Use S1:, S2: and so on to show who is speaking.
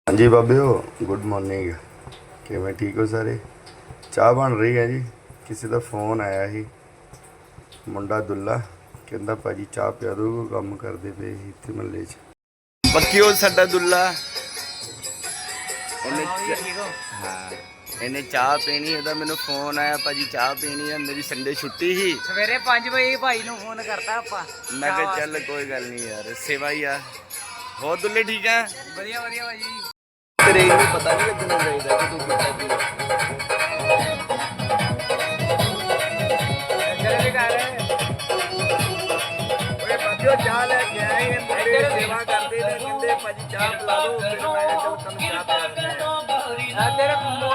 S1: ਹਾਂਜੀ ਬਾਬਿਓ, good morning. ਕਿਵੇਂ ਠੀਕ ਹੋ ਸਾਰੇ? ਚਾਹ ਬਣ ਰਹੀ ਹੈ ਜੀ। ਕਿਸੇ ਦਾ ਫੋਨ ਆਇਆ ਸੀ, ਮੁੰਡਾ ਦੁੱਲਾ ਕਹਿੰਦਾ ਭਾਜੀ ਚਾਹ ਪਿਆ ਦੋ, ਕੰਮ ਕਰਦੇ ਪਏ ਸੀ ਇੱਥੇ ਮਹੱਲੇ 'ਚ। ਪੱਕਿਓ ਸਾਡਾ ਦੁੱਲਾ, ਇਹਨੇ ਚਾਹ ਪੀਣੀ। ਇਹਦਾ ਮੈਨੂੰ ਫੋਨ ਆਇਆ, ਭਾਜੀ ਚਾਹ ਪੀਣੀ ਹੈ। ਮੇਰੀ ਸੰਡੇ ਛੁੱਟੀ ਸੀ,
S2: ਸਵੇਰੇ 5 ਵਜੇ ਭਾਈ ਨੂੰ ਫੋਨ ਕਰਤਾ ਆਪਾਂ।
S1: ਮੈਂ ਕਿਹਾ ਚੱਲ ਕੋਈ ਗੱਲ ਨਹੀਂ ਯਾਰ, ਸੇਵਾ ਹੀ ਆ। ਹੋਰ ਦੁੱਲੇ ਠੀਕ ਆ?
S2: ਵਧੀਆ ਵਧੀਆ ਭਾਜੀ।
S1: ਤੇਰੇ ਇਹਨੂੰ ਪਤਾ ਨਹੀਂ ਲੱਗਣਾ ਚਾਹੀਦਾ ਕਿ ਤੂੰ ਪੀਤਾ ਕੀ ਹੈ।
S2: ਇੱਧਰ ਵੀ ਕਰ
S1: ਓਏ ਬਾਬਿਓ ਚਾਹ ਲੈ ਕੇ ਆਏ, ਇਹ ਮੁੰਡੇ ਸੇਵਾ ਕਰਦੇ ਨੇ, ਕਹਿੰਦੇ ਭਾਜੀ ਚਾਹ ਪਿਲਾ ਦਿਓ। ਫਿਰ ਮੈਂ ਚੱਲ ਤੁਹਾਨੂੰ ਚਾਹ ਪਿਲਾ ਦਿੰਦਾ।
S2: ਤੇਰੇ